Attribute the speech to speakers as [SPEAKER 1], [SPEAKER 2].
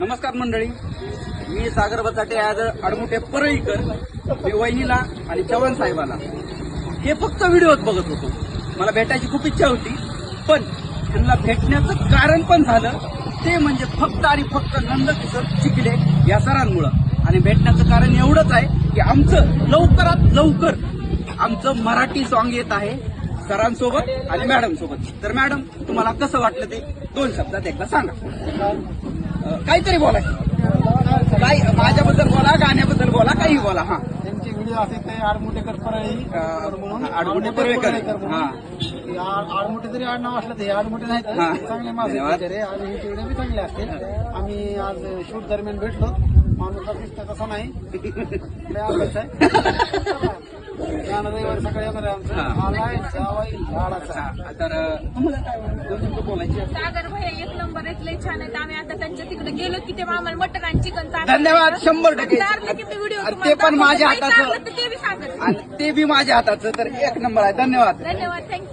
[SPEAKER 1] नमस्कार मंडळी, मी सागर बचाटे आज अडमुठे परळीकर. मी वहिनीला आणि चव्हाण साहेबाला हे फक्त व्हिडिओत बघत होतो. मला भेटायची खूप इच्छा होती, पण त्यांना भेटण्याचं कारण पण झालं ते म्हणजे फक्त आणि फक्त नंदकिशोर चिखले या सरांमुळं. आणि भेटण्याचं कारण एवढंच आहे की आमचं लवकरात लवकर आमचं मराठी सॉन्ग येत आहे सरांसोबत आणि मॅडम सोबत. तर मॅडम, तुम्हाला कसं वाटलं ते 2 शब्दात एकदा सांगा. काहीतरी बोला, काय माझ्याबद्दल बोला, गाण्याबद्दल बोला, काही बोला. हा,
[SPEAKER 2] त्यांचे व्हिडिओ असे ते आडमुठेकर परळी म्हणून
[SPEAKER 1] आडमुठे परळीकर. हा,
[SPEAKER 2] आडमुठे जरी आडनाव असलं तर हे आडमुठे नाही तर
[SPEAKER 1] हा.
[SPEAKER 2] चांगले माझे
[SPEAKER 1] धन्यवाद.
[SPEAKER 2] आणि हे व्हिडिओ बी चांगले असतील. आम्ही आज शूट दरम्यान भेटलो. माणूस दिसतं तसा नाही, लय अभ्यास आहे. गाणं रविवारी सकाळी येणार आहे आमचं.
[SPEAKER 1] हा.
[SPEAKER 2] आलाय जावाई झाडाचा.
[SPEAKER 1] हा, तर तुम्हाला काय दोन बोलायची आहे?
[SPEAKER 3] सागर भैया एक नंबर आहेत, लय छान आहेत. आम्ही आता त्यांच्या तिकडे गेलो की ते आम्हाला मटन आणि चिकन
[SPEAKER 1] धन्यवाद, 100%.
[SPEAKER 3] व्हिडिओ
[SPEAKER 1] आणि ते पण माझ्या हाताचं
[SPEAKER 3] ते बी सांगत.
[SPEAKER 1] आणि ते बी माझ्या हाताचं. तर 1 नंबर आहे. धन्यवाद.
[SPEAKER 3] धन्यवाद, थँक्यू.